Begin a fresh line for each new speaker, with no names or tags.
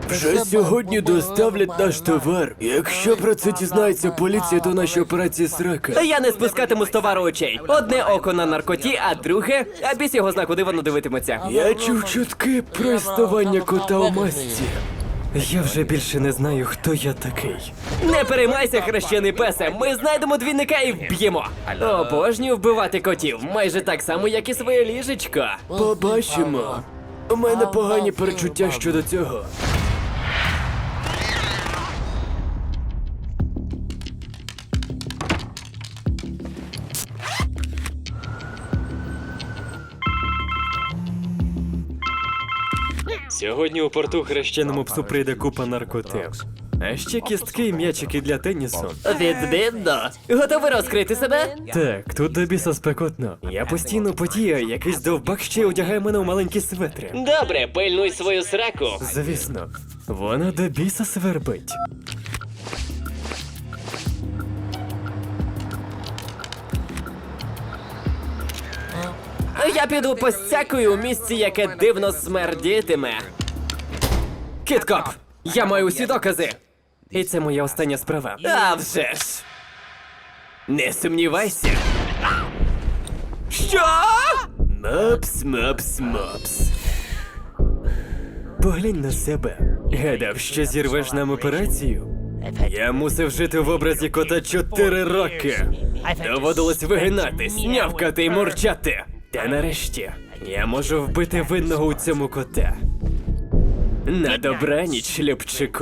Вже сьогодні доставлять наш товар. Якщо про це дізнається поліція, то наші операції срака.
Я не спускатиму з товару очей. Одне око на наркоті, а друге, а біс його зна, куди воно дивитиметься.
Я чув чутки про існування кота у масці.
Я вже більше не знаю, хто я такий. Не переймайся, хрещений песе, ми знайдемо двійника і вб'ємо. Обожнюю вбивати котів, майже так само, як і своє ліжечко.
Побачимо. У мене погані перечуття щодо цього.
Сьогодні у порту хрещеному псу прийде купа наркоти. А ще кістки і м'ячики для тенісу. Відмінно. Готовий розкрити себе? Так, тут до біса спекотно. Я постійно потію, якийсь довбак ще й одягає мене у маленькі светри. Добре, пильнуй свою сраку. Звісно, вона до біса свербить. Я піду постякую у місці, яке дивно смердітиме. Кіткоп, я маю усі докази. І це моя остання справа. А вже ж. Не сумнівайся. Що?
Мопс, мопс, мопс.
Поглянь на себе. Гадав, що зірвеш нам операцію? Я мусив жити в образі кота 4 роки. Доводилось вигинатись, нявкати й мурчати. Та нарешті я можу вбити винного у цьому кота. На добраніч, Любчику.